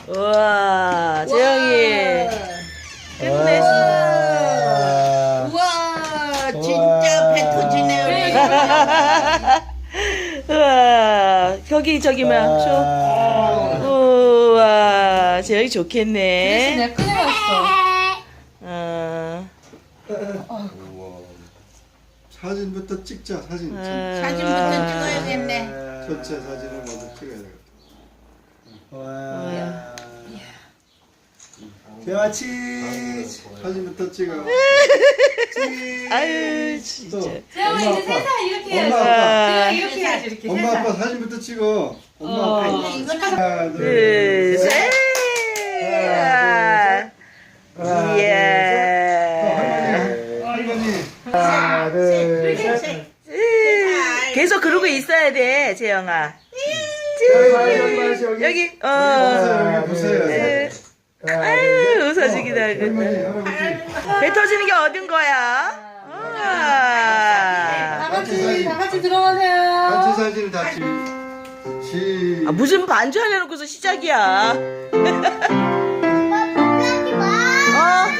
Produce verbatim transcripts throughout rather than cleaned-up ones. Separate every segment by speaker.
Speaker 1: 우와, 재영이. 끝냈어.
Speaker 2: 우와, 진짜 배 터지네요.
Speaker 1: 우와, 여기 저기 뭐야, 쇼. 우와, 재영이
Speaker 3: 그래서
Speaker 1: 좋겠네.
Speaker 3: 내가 꺼내봤어.
Speaker 1: 어,
Speaker 4: 우와. 사진부터 찍자. 사진.
Speaker 1: 어.
Speaker 2: 사진부터 찍어야겠네.
Speaker 4: 전체 사진을 먼저 찍어야 되겠다.
Speaker 5: 와. 대화 치즈.
Speaker 4: 사진부터 찍어.
Speaker 1: 아유, 진짜.
Speaker 3: 재영아
Speaker 4: 엄마,
Speaker 3: 이제
Speaker 4: 아빠.
Speaker 3: 세상 이렇게
Speaker 4: 엄마,
Speaker 3: 해야지.
Speaker 4: 아빠.
Speaker 3: 재영아 이렇게 해야지 이렇게.
Speaker 4: 엄마
Speaker 3: 세상.
Speaker 4: 아빠 사진부터 찍어. 엄마
Speaker 3: 어.
Speaker 4: 아빠.
Speaker 2: 아니, 이거는
Speaker 4: 하나
Speaker 1: 둘,
Speaker 4: 둘
Speaker 1: 셋.
Speaker 4: 셋.
Speaker 1: 이야. 이야.
Speaker 4: 할머니.
Speaker 5: 하나, 둘, 셋.
Speaker 2: 셋.
Speaker 1: 계속 그러고 있어야 돼, 재영아.
Speaker 5: 여기,
Speaker 1: 여기, 어.
Speaker 4: 여기 보세요.
Speaker 1: 네.
Speaker 5: 하나, 둘,
Speaker 1: 아유, 웃어주기도
Speaker 4: 할머니,
Speaker 1: 하고.
Speaker 4: 할아버지.
Speaker 1: 배 터지는 게 어딘 거야?
Speaker 3: 다
Speaker 1: 우와.
Speaker 3: 같이 다 같이 들어가세요.
Speaker 4: 단체 사진을 다 찍. 시.
Speaker 1: 아, 무슨 반주 하려놓고서 시작이야. 어?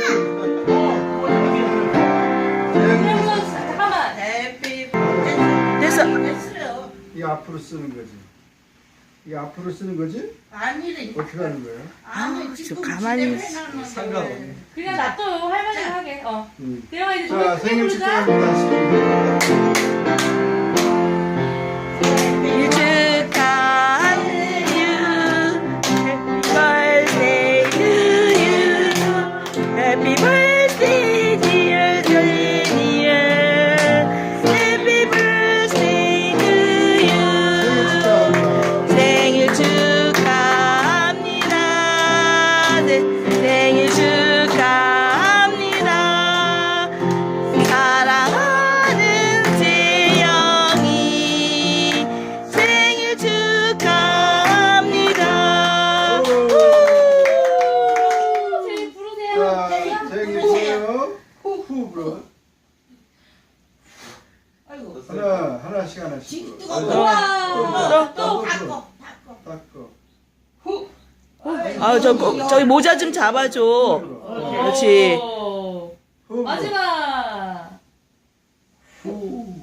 Speaker 3: 잠깐만.
Speaker 2: 해피
Speaker 1: 됐어.
Speaker 2: 됐어요.
Speaker 4: 이 앞으로 쓰는 거지. 이 앞으로 쓰는 거지?
Speaker 2: 아니래.
Speaker 4: 어떻게 하는 거예요?
Speaker 2: 아니,
Speaker 1: 저
Speaker 2: 지금
Speaker 1: 가만히
Speaker 2: 집에 해놨는데.
Speaker 4: 상관없네.
Speaker 3: 그냥 놔둬 할머니가 하게. 어.
Speaker 4: 음.
Speaker 3: 재영아 이제
Speaker 4: 자,
Speaker 3: 노래 크게
Speaker 4: 생일
Speaker 3: 부르자.
Speaker 4: 축하합니다.
Speaker 1: 생일 축하해요. Happy birthday to you. Happy birthday dear Sonia. Happy birthday to you. 생일 축하합니다. 네, 생일 축하합니다. 사랑하는 재영이 생일 축하합니다.
Speaker 3: 재영 부르세요.
Speaker 4: 자, 생일 축하해요. 후 불어.
Speaker 2: 아이고.
Speaker 4: 하나, 하나씩 하나씩. 불어.
Speaker 2: 뜨거워.
Speaker 3: 우와.
Speaker 2: 또 닦고, 닦고.
Speaker 4: 닦고.
Speaker 1: 아, 저, 거- 저기 모자 좀 잡아줘. 그렇지.
Speaker 3: 오.
Speaker 4: 후 불어.
Speaker 3: 마지막.
Speaker 4: 후.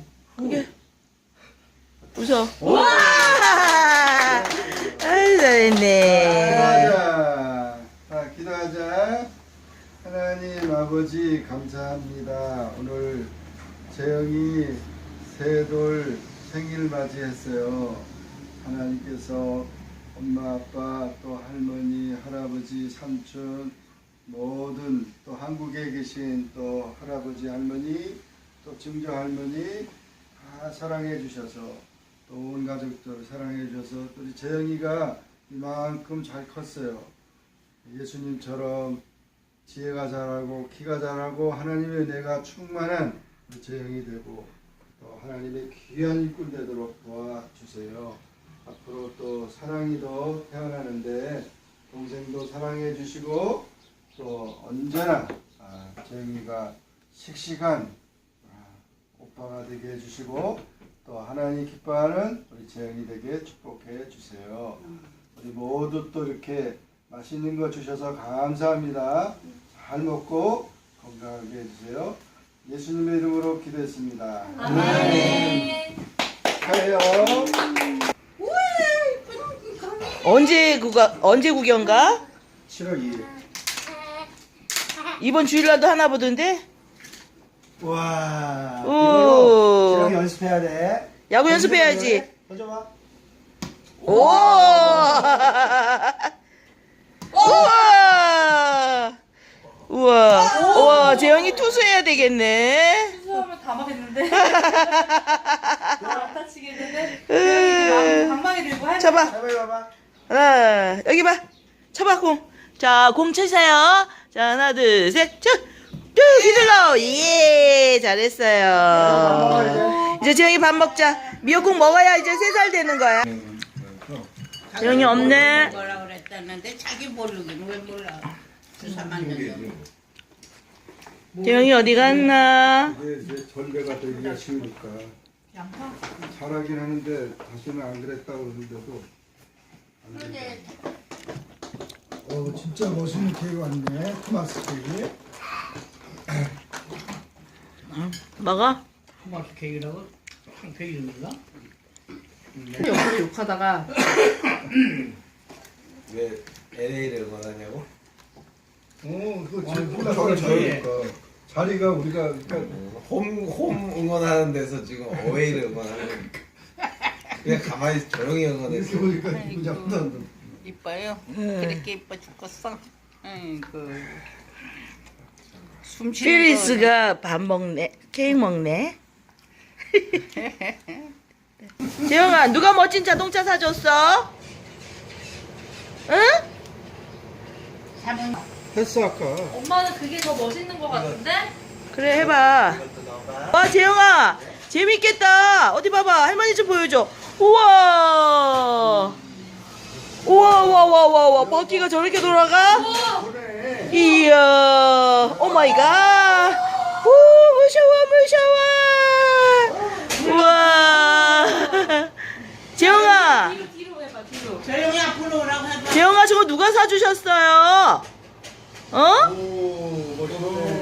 Speaker 1: 웃어. 와! 아유, 잘했네.
Speaker 4: 기도하자. 자, 기도하자. 하나님 아버지 감사합니다. 오늘 재영이 세돌 생일 맞이했어요. 하나님께서 엄마 아빠 또 할머니 할아버지 삼촌 모든 또 한국에 계신 또 할아버지 할머니 또 증조 할머니 다 사랑해 주셔서 또 온 가족들 사랑해 주셔서 또 우리 재영이가 이만큼 잘 컸어요. 예수님처럼 지혜가 자라고 키가 자라고 하나님의 은혜가 충만한 우리 재영이 되고 또 하나님의 귀한 일꾼 되도록 도와주세요. 앞으로 또 사랑이 더 태어나는데 동생도 사랑해 주시고 또 언제나 아, 재영이가 씩씩한 아, 오빠가 되게 해주시고 또 하나님 기뻐하는 우리 재영이 되게 축복해 주세요. 우리 모두 또 이렇게 맛있는 거 주셔서 감사합니다. 잘 먹고 건강하게 해주세요. 예수님의 이름으로 기도했습니다.
Speaker 3: 아멘.
Speaker 4: 축하해요.
Speaker 1: 언제 구가, 언제 구경 가?
Speaker 4: 칠월 이일.
Speaker 1: 이번 주일날도 하나 보던데?
Speaker 5: 와.
Speaker 1: 오.
Speaker 5: 이걸로 재영이 연습해야 돼.
Speaker 1: 야구 연습해야지.
Speaker 5: 던져봐.
Speaker 1: 오! 우와! 우와! 우와, 재영이 투수해야 되겠네.
Speaker 3: 수업을 다 막했는데. 안 다치겠는데. 재영이 방망이 들고 할.
Speaker 1: 쳐봐.
Speaker 5: 해봐, 해봐.
Speaker 1: 하나, 여기 봐. 쳐봐, 공. 자, 공 치세요. 자, 하나, 둘, 셋, 쳐! 쭉 휘둘러. 예, 잘했어요. 이제 재영이 밥 먹자. 미역국 먹어야 이제 세 살 되는 거야. 재영이 없네.
Speaker 2: 뭐라 그랬다는데 자기 모르긴 왜 몰라. 주사 맞는
Speaker 1: 재영이 어디 갔나?
Speaker 4: 이제 이제 전배가 되기가 쉬우니까 잘하긴 하는데 다시는 안 그랬다고 그러는데도 안
Speaker 2: 근데
Speaker 4: 된다. 어, 진짜 멋있는 케이크 왔네. 토마스 케이크.
Speaker 1: 먹어?
Speaker 2: 토마토 케이크라고? 케이크 이름인가?
Speaker 3: 옆으로 욕하다가
Speaker 6: 왜 엘에이를 응원하냐고?
Speaker 4: 어, 그거
Speaker 6: 어,
Speaker 4: 제일
Speaker 6: 어,
Speaker 4: 자리가
Speaker 6: 저기.
Speaker 4: 좋으니까. 자리가 우리가 그러니까
Speaker 6: 홈, 홈 응원하는 데서 지금 어웨이를 응원하는 그냥 가만히 조용히
Speaker 4: 이렇게
Speaker 6: 응원했어.
Speaker 4: 보니까 기분이 나쁘다.
Speaker 2: 이뻐요. 그렇게 이뻐 죽겠어. 아이고. 숨 쉬는
Speaker 1: 피리스가 밥 먹네. 케이크 먹네. 재영아, 누가 멋진 자동차 사줬어? 응?
Speaker 2: 사는
Speaker 4: 했어 아까.
Speaker 3: 엄마는 그게 더 멋있는 것 같은데?
Speaker 1: 그래, 해봐. 와, 재영아, 재밌겠다. 어디 봐봐. 할머니 좀 보여줘. 우와. 우와, 우와, 우와, 우와, 우와. 바퀴가 저렇게 돌아가? 이야. 오 마이 갓. 오, 무서워, 무서워. 우와. 재영아,
Speaker 3: 뒤로 뒤로 해봐 뒤로.
Speaker 2: 조용히 앞으로 오라고 해봐.
Speaker 1: 재영아, 저거 누가 사주셨어요? 어?
Speaker 4: 오, 멋있네.